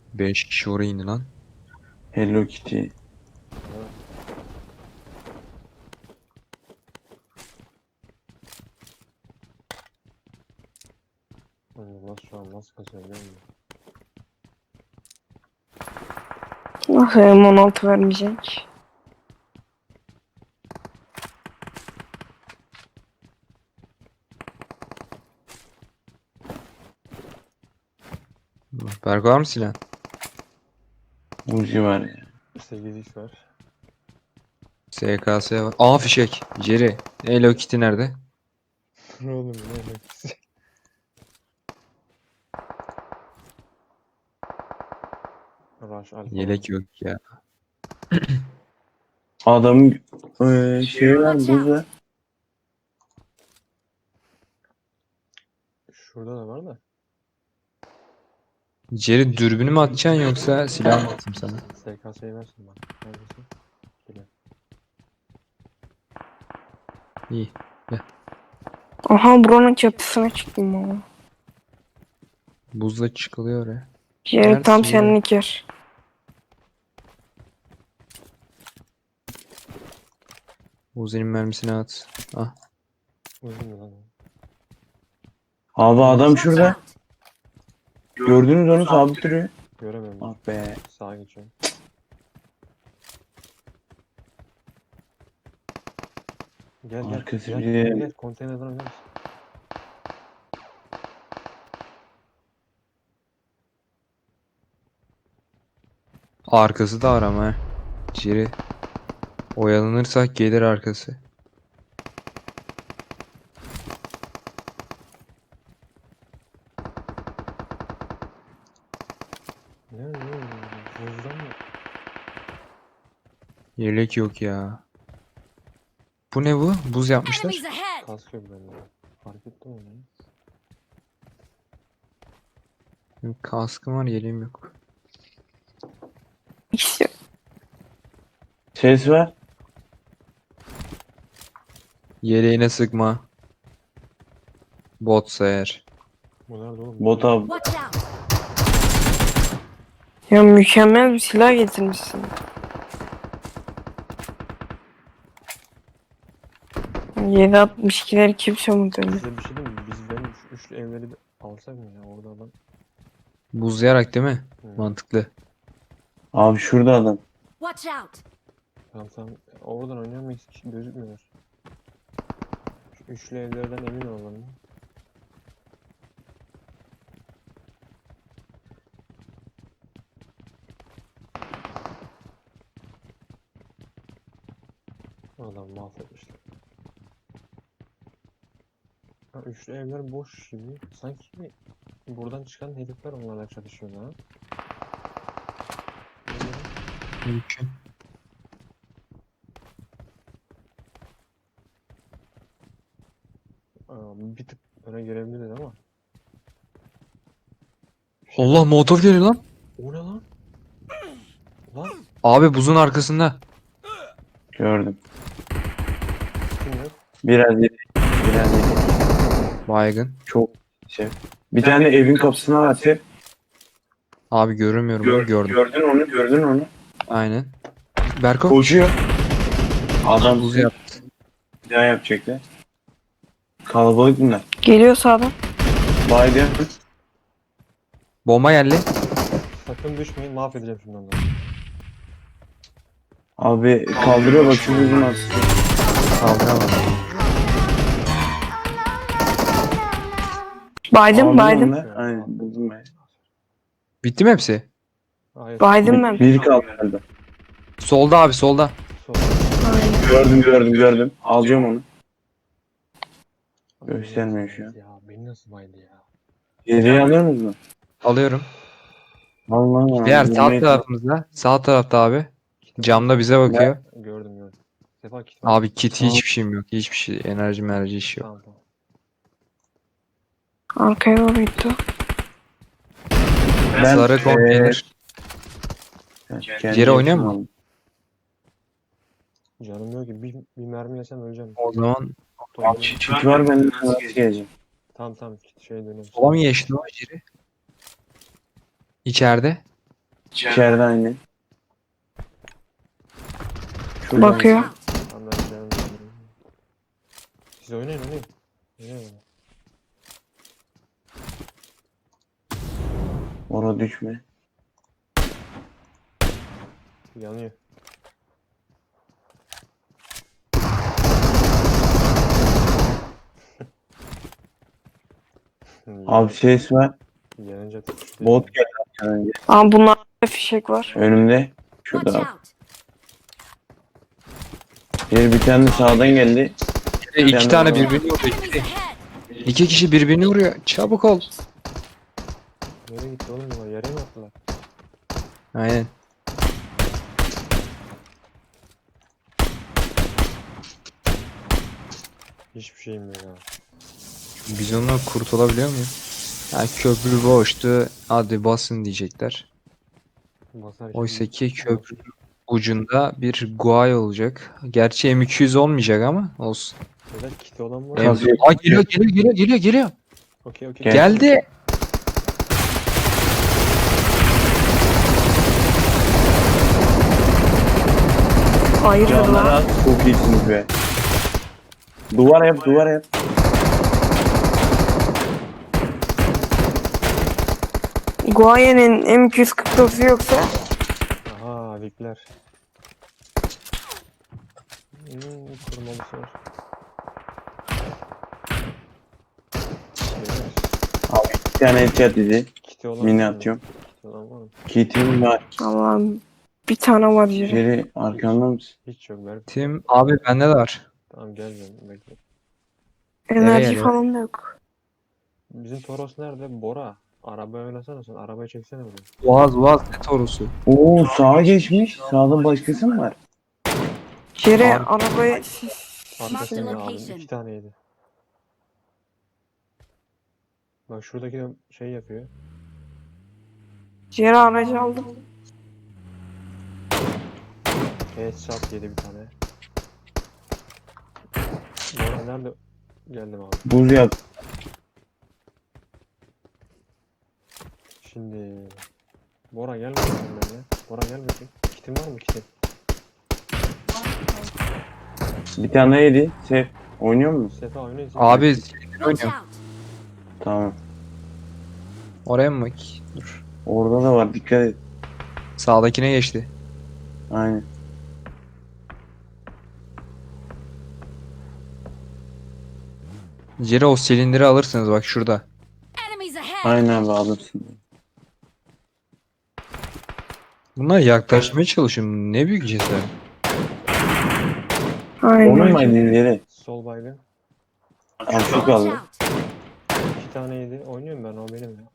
5 kişi oraya indi lan. Hello Kitty. Evet. Nasıl şu an nasıl kasıyor biliyor musun? Nasıl M16 vermeyecek? Berk var mı silah? Uzi var ya. 8x var. SKS var. Aa fişek. Jerry. Hello Kitty nerede? Ne oğlum ne alakası? Rush Alpha var. Yelek yok ya. Adamın şeyi var, buz var. Şurada da var da. Jerry dürbünü mü atacaksın yoksa silah mı atayım sana? SKS'yi versin bak. Neredesin? Geliyor. İyi. Aha buranın çatısına çıktım ama. Buzla çıkılıyor oraya. Jerry tam Neredesin ya? senlik yer. Uzi'nin mermisini at. Ah. Uzun mu lan? Abi adam şurada. Gördünüz onu sabit duruyor. Göremiyorum. Ah be. Sağa geçiyorum. Gel Arkası gel. bir- Gel. Konteynerden gel. Arkası da var ama he. Jerry. Oyalanırsak gelir arkası. Ne? Buzdan mı? Yelek yok ya. Bu ne bu? Buz yapmışlar. Enemies ahead! Kask yok bende. Fark ettim onu. Benim kaskım var, yeleğim yok. İkisi yok. Ses var. Yeleğine sıkma. Botsa eğer. Bu nerede oğlum? Bot abi. Watch out! Ya mükemmel bir silah getirmişsin. 7.62'leri kimse unutuyor. Size bir şey diyeyim mi? Biz benim şu üçlü evleri bir alsak mı ya? Orada adam. Buzlayarak değil mi? Hı. Mantıklı. Abi şurada adam. Watch out! Tamam. Oradan oynuyorum hiç gözükmüyor. Şu üçlü evlerden emin olalım. Adam mahvetmişler. Ha, üçlü evler boş gibi. Sanki buradan çıkan herifler onlarla çalışıyor ha. Mümkün. Bir tık öne girebiliriz ama. Allah, motor geliyor lan. O ne lan? Lan Abi buzun arkasında. Gördüm. kim yok? Biraz yedi. Biraz yedi. Baygın. Çok şey. Bir tane evin kapısına atıyor. Abi göremiyorum onu, gördüm. Gördün onu. Aynen. Berko. Koşuyor. Adam Buz yap. bir daha yapacaklar. Kalabalık bunlar. Geliyor sağdan. Biden. Bomba geldi. Sakın düşmeyin, mahvedeceğim şimdi onları. Abi kaldırıyor bak şu buzun aslında. Kaldıramam. Baydım baydım. Aynen buldum ben. Bitti mi hepsi? Hayır. Baydım ben. Bir kaldı herhalde. Solda abi, solda. Sol. Aynen. Gördüm. Alacağım onu. Göstermiyor şu an. Ya beni nasıl baydı ya? Geriye alıyor musun? Alıyorum. Allah Diğer sağ tarafımızda. Sağ tarafta abi. Camda bize bakıyor. Gördüm. Sefa kit var. Abi kit hiçbir şeyim yok. Hiçbir şey. Enerji işi yok. Tamam. Arkaya doğru gitti. Sarı konteyner. Yere oynuyor mu? Canım yok ki bir mermi yesem öleceğim. O zaman Çit var bende nasıl geleceğim? Tamam şey dönüyorum. sola mı geçti o Jerry? İçeride. İçeride aynı. Şurada. Bakıyor. Tamam ben canım benim. Siz oynayın. Oynayın. Orada düşme. Yanıyor. Abi ses var. Yanınca tutuştu. Bot geldi arkadan önce. Ama bunlarda fişek var. Önümde. Watch Şurada. out! Bir tane de sağdan geldi. İki Ben tane de- birbirini vuruyor. Enemies ahead! İki kişi birbirini vuruyor. Çabuk ol. Nereye gitti oğlum bunlar? Yere mi attılar? Aynen. Hiçbir şeyim yok ya. Biz ondan kurtulabiliyor muyuz? Ha, köprü boştu. Hadi basın diyecekler. Basarken Oysa ki köprünün ucunda bir guay olacak. Gerçi M200 olmayacak ama olsun. Neden kiti olan var? M- Kazıyor. Aa, geliyor. Okey. Gel. Geldi. Hayırdır Canları lan? az. Çok iyisiniz be. Duvar yap. Guaye'nin M249'u yoksa Aha Vikler. Kurmalısı var. Beyler, Bir tane headshot dedi. kiti olan Mini var mı? atıyorum. Kiti olan var mı? Kitim var. Allah'ım bir tane var yeri. Jerry arkanda mısın? Hiç yok. Ver. Tim abi bende de var. Tamam geleceğim. Bekle. Enerji geliyor? falan da yok. Bizim Toros nerede? Bora. Arabayı oynasana sen. Arabayı çeksene buraya. Boğaz ne torusu. Oo sağa geçmiş. Sağda başkası mı var? Yere Abi- arabayı Arkasını aldım. location. 2 taneydi. Bak şuradaki de şey yapıyor. yere aracı aldım. Headshot yedi bir tane. Bora nerede? Geldim abi. Buz yap. Şimdi Bora gel bakayım benimle. Bora gel bakayım. Kitin var mı kitin? Bir tane yedi. Sef. Oynuyor musun? Sefa oynayın. Abi Watch oynuyor. out! Tamam. Oraya mı bak? Dur. Orada da var. Dikkat et. Sağdakine geçti. Aynen. Jerry o silindiri alırsınız bak şurada. Enemies ahead! Aynen abi alırsın. Bunlar yaklaşmaya çalışın. Ne büyük cesaret. Onun mu Aynen. elleri? Sol baygın. Artık Watch kaldı. out! 2 tane yedi. Oynuyorum ben o benim ya.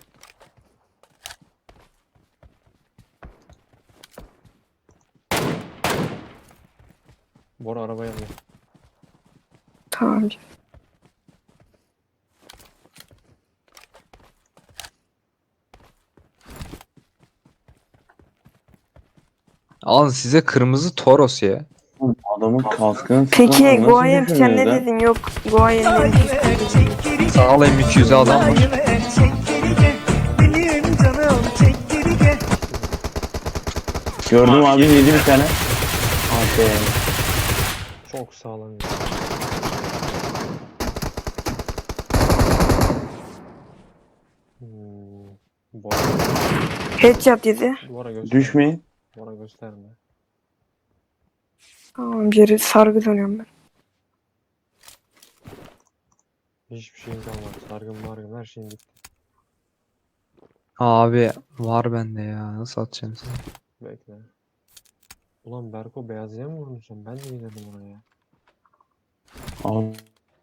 Bora arabaya alıyor. Tamam. Alın size kırmızı Toros ya. Oğlum, adamın kaskını Peki sıkmadan nasıl Guayen sen düşürmüyor ne lan? dedin? Yok Guayen'in M249'u. Sağ ol M200'e adam var. Benim canım çek geri gel. Gördüm abi yedi bir tane. Hadi. Çok sağlam. Ya. Bora, Headshot yedi. Bora gösterme. Düşmeyin. Bora gösterme. Tamam yere sargı dönüyorum ben. Hiçbir şeyim kalmadı. Sargın margın her şeyim bitti. Abi var bende ya. Nasıl atacağım size? Bekle. Ulan Berko beyazıya mı vurdun sen? Ben de dedim ona ya. Abi.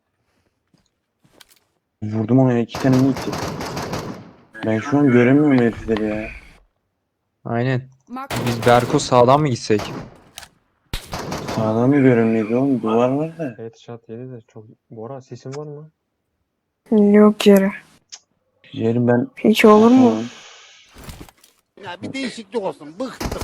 Vurdum ona ya, iki tane mi gitti? Ben şu an göremiyorum herifleri ya. Aynen. Mark Biz Berko sağdan mı gitsek? Sağdan mı göremiyordu oğlum? Duvar var da. Headshot yedi de çok... Bora sesin var mı? Yok yere. Yerim ben. Hiç olur mu? Tamam. Ya bir değişiklik olsun. Bıktım.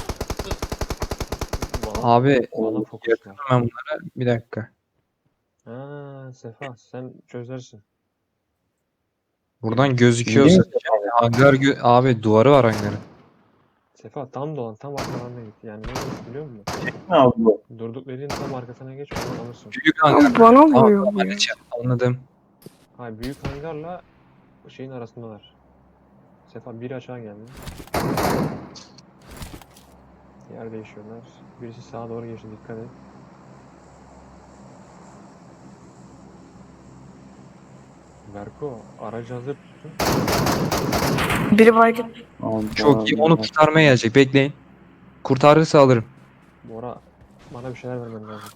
Bana, Abi bana fokus var. hemen bunlara bir dakika. Ha Sefa sen çözersin. Buradan gözüküyorsa Değil mi? hangar abi duvarı var hangarın. Sefa tam dolan, tam arkalarına git. Yani ne demek biliyor musun? Ne abi bu? Durduk yerin tam arkasına geç, onu alırsın. Büyük hangar. Ama bana Tamam vuruyor tamam bu ya. halledeceğim. Anladım. Hayır, büyük hangarla şeyin arasındalar. Sefa biri aşağı geldi. Yer değişiyorlar. Birisi sağa doğru geçti, dikkat et. Berko, aracı hazır tutun. Biri baygın. Abi, Çok iyi. abi, Onu kurtarmaya gelecek. Bekleyin. Kurtarırsa alırım. Bora, bana bir şeyler vermen lazım.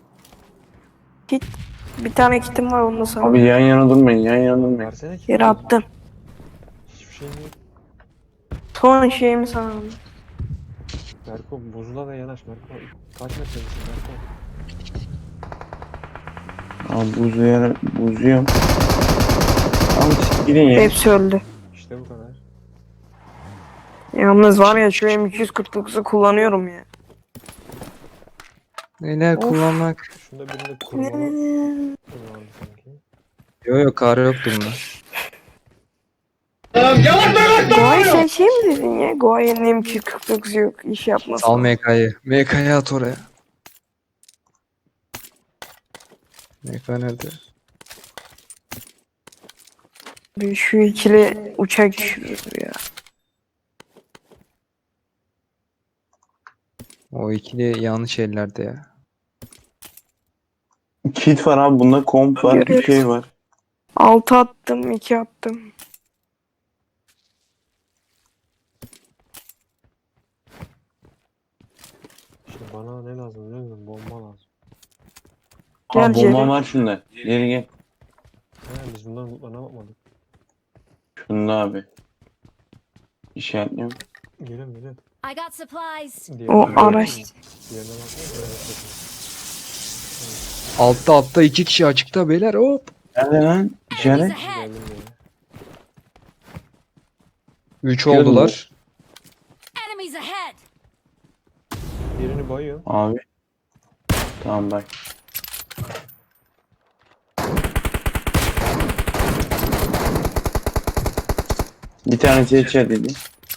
Bir tane kitim var onu da Abi sana. yan yana durmayın, yan yana durmayın. Versene ki. Yere attım. Hiçbir şey yok. Son şeyimi sana aldım. Berko, buzula da yanaş Berko. Kaç metredesin Berko? Abi buzuyorum. Abi siz gidin ya. Hepsi öldü. İşte bu kadar. Yalnız var ya şu M249'u kullanıyorum ya. Neler Of. kullanmak. Şunda birinde kurmalı vardı sanki. Yok yok kar yoktu bunda. Goay sen şey mi dedin ya? Goay'ın M249'u yok. İş yapmasın. Sal MK'yı. MK'yı at oraya. MK nerede? Şu ikili uçak düşürür ya. O ikili yanlış ellerde ya. Kit var abi, bunda komp var, bir Görüyoruz. şey var. 6 attım, 2 attım. İşte bana ne lazım biliyor musun? Bomba lazım. Gel Abi bomba Jerry. var şunda. Geri gel. He, biz bunların lootlarına bakmadık. Şunda abi. İşaretliyorum. Geliyorum geliyorum. I got supplies. O Diğerine araç. Diğerine bakmayın. Altta iki kişi açıkta beyler hop. Nerede lan? Enemies İşaret. ahead. Geldim diye. 3 Çıkıyoruz mu? oldular. Enemies ahead. Birini bayıyorum. Abi. Tamam bak. Bir tanesi headshot dedi.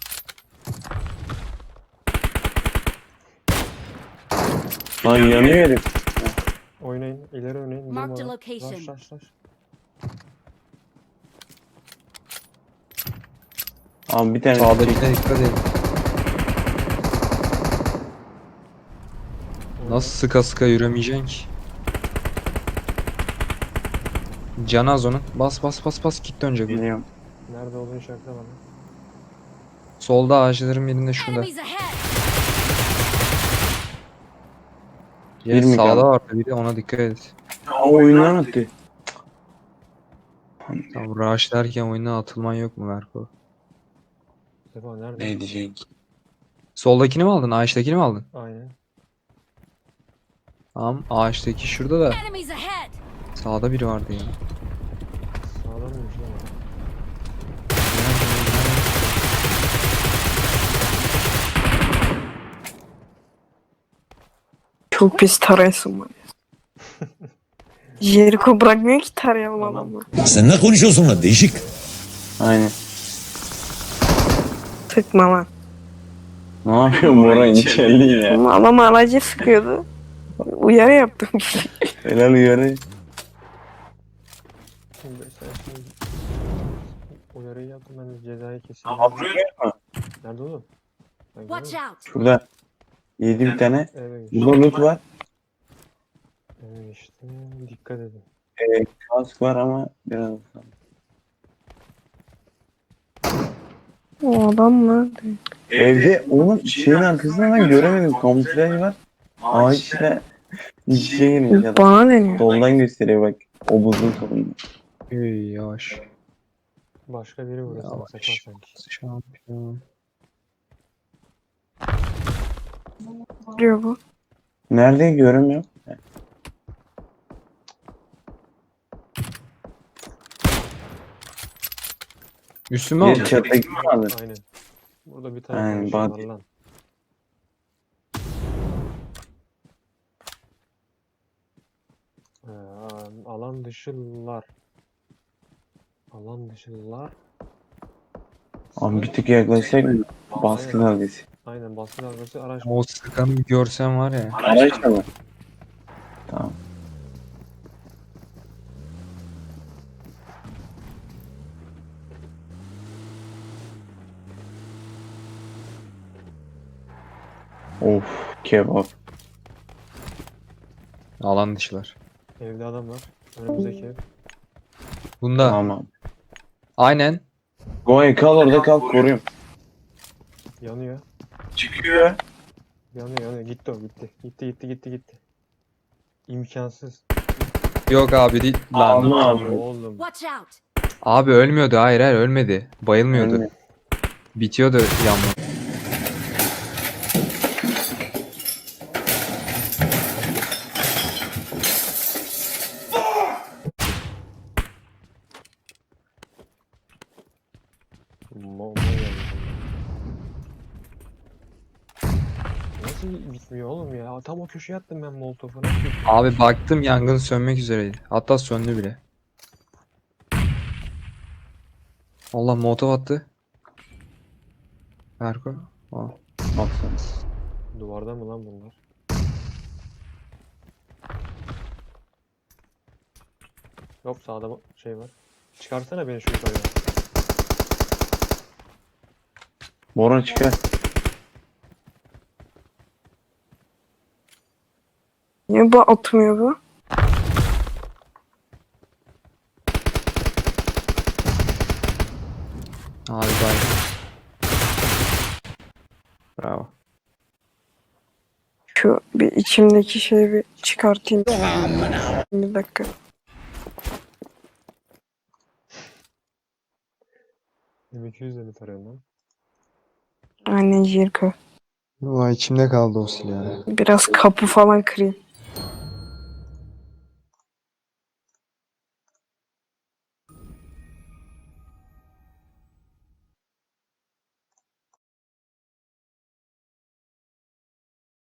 Lan yanıyor herif. Oynayın. İleri oynayın. Marked a Durmadan. location. Rush. Abi bir tanesi Sağdakine dikkat edin. Nasıl sıka sıka yürümeyeceksin ki? Canı az onun. Bas git dönecek. o. Biliyorum. Nerede olduğunu işaretle bana. Solda ağaçların birinde şurada. Enemies ahead. Ya mi sağda kaldı? vardı biri ona dikkat et. Aa, oyundan attı. Tamam rush derken oyuna atılman yok mu Berko? Sefa nerede? Ne diyecek? Soldakini mi aldın? Ağaçtakini mi aldın? Aynen. Tamam ağaçtaki şurada da Enemies ahead. sağda biri vardı ya. Sağdan mıymış lan? o? Çok pis tarayasın var. Jericho bırakmıyor ki tarayalım Tamam. adamı. Sen ne konuşuyorsun lan değişik. Aynen. Tıkma lan. Ne yapıyorsun Bora, içerli ya. Ama adam aracı sıkıyordu. Uyarı yaptım. Helal uyarı. Şimdi sen şimdi uyarıyı yaptım, ben de cezayı keseyim. Abi buraya gelme. Nerede oğlum? Ben Watch görüyorum. out. Şurada. Yedi bir tane. Eve geçtim. Burada loot var. Eve geçtim. Dikkat edin. Kask var ama biraz. O adam nerede? Evde oğlum şeyin arkasında ben göremedim. Kamuflaj var. Ağaçla iç içe girmiş adam. Bana deniyor. Soldan gösteriyor bak. O buzun solunda. Üy yavaş. Başka biri vuruyor sana Yavaş. Sefa sanki. Şampiyon. Diyor bu. Nerede göremiyorum. Üstüme Bir aldın. çattaki mi aldın? Aynen. Burada bir tane Aynen, konuşuyorlar bak. lan. Alan dışılar. Alan dışılar. Abi bir tık yaklaşsak baskın Aynen. dalgası. Aynen baskı dalgası araç. O sıkanı bir görsen var ya. Araç da var. Tamam. Of kebap. Alan dışılar. Evde adam var. Önümüzdeki ev. Bunda Tamam. aynen. Goy kal orada kal koruyayım. Yanıyor. Çıkıyor. Yanıyor. Gitti o gitti. Gitti. İmkansız. Yok abi değil. Lan. Allah abi. Oğlum. Watch out! Abi ölmüyordu. Hayır ölmedi. Bayılmıyordu. Ölmüyor. Bitiyordu yanma. Nasıl bitmiyor oğlum ya? Tam o köşeye attım ben molotofu. Nasıl bitmiyor? Abi baktım yangın sönmek üzereydi. Hatta söndü bile. Allah molotof attı. Berko. Aa. Baksana. Duvarda mı lan bunlar? Yok sağda şey var. Çıkarsana beni şu yukarıya. Boran çıkar. Niye bu atmıyor bu? Abi bay. Bravo. Şu bir içimdeki şeyi bir çıkartayım. Bir dakika. M200'le mi tarıyorsun lan? Aynen Jirko. Vay içimde kaldı o silah. Biraz kapı falan kırayım.